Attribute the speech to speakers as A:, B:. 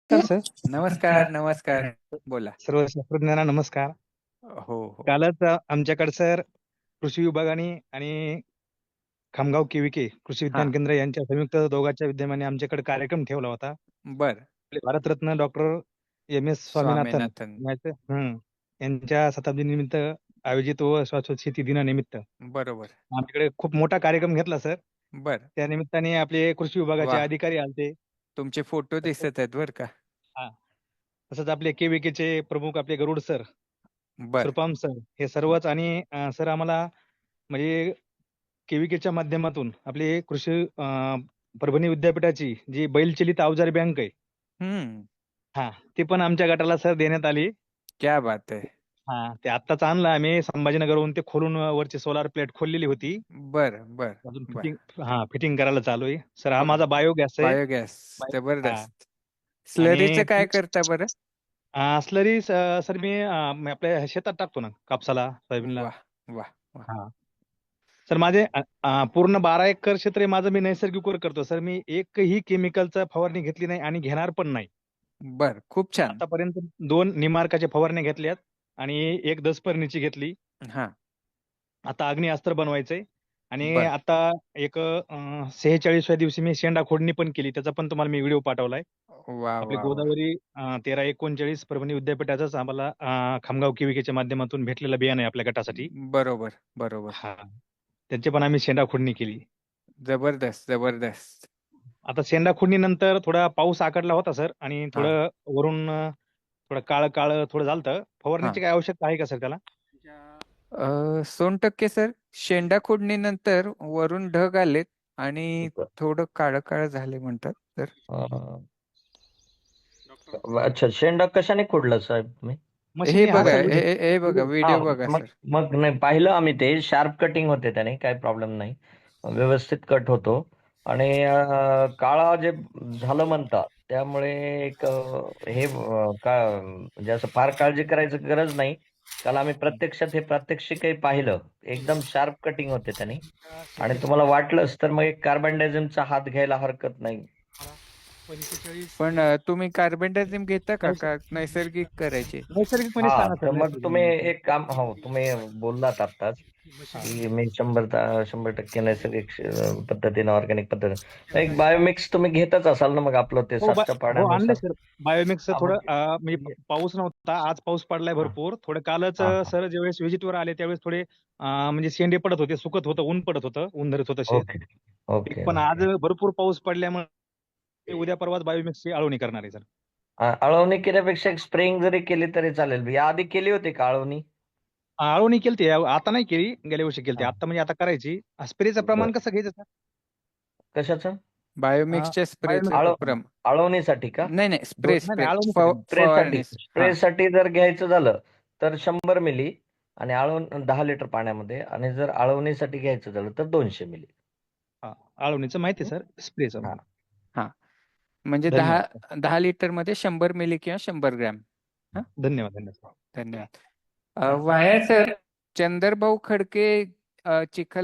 A: Sir
B: नमस्कार, नमस्कार. बोला.
A: सर्व शास्त्रज्ञांना नमस्कार.
B: हो, हो.
A: कालच आमच्याकडे सर कृषी विभागाने आणि खामगाव केविके कृषी विज्ञान
B: हां.
A: केंद्र यांच्या संयुक्त दोघांच्या विद्यमाने आमच्याकडे कार्यक्रम ठेवला होता.
B: बरं.
A: आपले भारतरत्न डॉक्टर एम.एस. स्वामीनाथन
B: स्वामीनाथन.
A: यांच्या शताब्दी निमित्त आयोजित व शाश्वत शेती दिनानिमित्त
B: बरोबर.
A: आमच्याकडे खूप मोठा कार्यक्रम घेतला सर.
B: बरं.
A: त्या निमित्ताने आपले कृषी विभागाचे
B: वाह!
A: अधिकारी आलते.
B: तुमचे फोटो दिसत आहेत बरं का.
A: हा, तसंच आपले केविकेचे प्रमुख आपले गरुड सर,
B: बरं.
A: सुरपाम सर हे सर्वच आणि सर आम्हाला म्हणजे केविकेच्या माध्यमातून आपली कृषी परभणी विद्यापीठाची जी बैलचलित अवजार बँक आहे,
B: हं.
A: हा, ती पण आमच्या गटाला सर देण्यात आली.
B: क्या बात है!
A: हा, ते आत्ताच आणलं आम्ही संभाजीनगरहून, ते खोलून वरची सोलार प्लेट खोललेली होती.
B: बरं, बरं,
A: अजून
B: बरं.
A: फिटिंग करायला चालू आहे सर. हा माझा
B: बरं.
A: बायोगॅस आहे.
B: बायोगॅस.
A: हा,
B: जबरदस्त.
A: आणि
B: स्लरीचं काय करता बरं?
A: स्लरी सर मी आपल्या शेतात टाकतो ना, कापसाला, सोयाबीनला.
B: वाह! वाह! वाह!
A: हा, सर माझे पूर्ण 12 एकर क्षेत्र आहे माझं. मी नैसर्गिक वर करतो सर. मी एकही केमिकलचा फवारणी घेतली नाही आणि घेणार पण नाही.
B: बरं. खूप छान.
A: आतापर्यंत 2 निमार्काच्या फवारण्या घेतल्यात आणि एक दसपर्णीची घेतली.
B: हां.
A: आता अग्निअस्त्र बनवायचंय आणि
B: बरं.
A: आता एक 46व्या दिवशी मी शेंडा खोडणी पण केली. त्याचा पण तुम्हाला मी व्हिडिओ पाठवलाय.
B: वाह,
A: आपली
B: वाह, वाह!
A: गोदावरी 1339 परभणी विद्यापीठाचाच आम्हाला खामगाव केविकेच्या माध्यमातून भेटलेलं बियाणं आहे आपल्या गटासाठी.
B: बरोबर, बरोबर.
A: हा, त्यांची पण आम्ही शेंडा खोडणी केली.
B: जबरदस्त, जबरदस्त.
A: आता शेंडा खोडणीनंतर थोडा पाऊस आकडला होता सर आणि
B: हां,
A: थोडं वरून थोडं काळं काळं थोडं झालतं.
B: हां.
A: फवारणीची काय आवश्यकता आहे का सर त्याला?
B: 100% सर. शेंडा खोडणीनंतर वरून ढग आलेत आणि
C: बर.
B: थोडं काळं-काळं झाले म्हणतात. तर
C: अं, अच्छा, शेंडा कशाने खोडला साहेब तुम्ही?
B: हे
A: मशीनने हा
B: बघा,
A: सर
B: हे बघा,
C: हा,
B: व्हिडिओ बघा
C: मग
B: सर.
C: मग नाही पाहिलं आम्ही, ते शार्प कटिंग होते त्याने, काही प्रॉब्लेम नाही, व्यवस्थित कट होतो. आणि काळा जे झालं म्हणतात त्यामुळे एक हे का म्हणजे असं फार काळजी करायची गरज नाही. काल आम्ही प्रत्यक्षात हे प्रात्यक्षिकही पाहिलं, एकदम शार्प कटिंग होते त्याने. आणि तुम्हाला वाटलंच तर मग एक कार्बन डायझमचा हात घ्यायला हरकत नाही.
B: पण तुम्ही कार्बेंडाझिम घेता का
A: नैस-
B: का नैसर्गिक करायचे?
A: नैसर्गिकपणे
C: हा,
A: सांगा
C: तर
A: सर.
C: मग तुम्ही
A: नैसर्गिक
C: एक काम, हो तुम्ही बोललात आत्ताच की मी 100% नैसर्गिक पद्धतीने, ऑर्गॅनिक पद्धतीने एक बायोमिक्स तुम्ही घेतच असाल ना, मग आपलं ते
A: हो,
C: सातच्या
A: हो आणले
C: पाण्यानुसार.
A: सर. बायोमिक्स
C: हा,
A: थोडं
C: मग
A: म्हणजे पाऊस नव्हता, आज पाऊस पडलाय
C: हा
A: भरपूर. थोडं कालच
C: हा हा.
A: सर ज्यावेळेस व्हिजिटवर आले त्यावेळेस थोडे म्हणजे शेंडे पडत होते, सुकत होतं, ऊन पडत होतं, ऊन धरत होतं शेत.
C: ओके ओके
A: पण आज
C: ओके.
A: भरपूर पाऊस पडल्यामुळे उद्या परवाच बायोमिक्सची आळवणी करणार आहे सर.
C: आळवणी केल्यापेक्षा एक स्प्रेइंग जरी केली तरी चालेल. या आधी केली होती का आळवणी?
A: आळवणी केलती, आता नाही केली, गेल्या वर्षी केलती.
C: हा,
A: आता म्हणजे आता करायची. स्प्रेचं प्रमाण
C: बर.
A: कसं घ्यायचं सर?
C: कशाचं?
B: बायोमिक्सच्या स्प्रेचं
A: बायोमिक्स
C: आळ
B: प्रम
C: आळवणीसाठी का?
B: नाही, नाही.
A: दोन
B: स्प्रे,
A: नाही नाही,
B: स्प्रे.
A: आळवणीसाठी नाही.
C: स्प्रेसाठी
B: फवारणीस. हां.
C: स्प्रेसाठी जर घ्यायचं झालं तर 100 मिली, आणि 10 लिटर पाण्यामध्ये. आणि जर आळवणीसाठी घ्यायचं झालं तर 200 मिली.
A: हा, आळवणीचं माहिती आहे सर, स्प्रेचं
C: हा
A: नाही.
B: हां. म्हणजे
A: धन्यवाद
B: 10 लिटरमध्ये 100 मिली किंवा 100 ग्रॅम. हां.
A: धन्यवाद धन्यवाद.
B: धन्यवाद. वाया सर, चंदरभाऊ खडके चिखल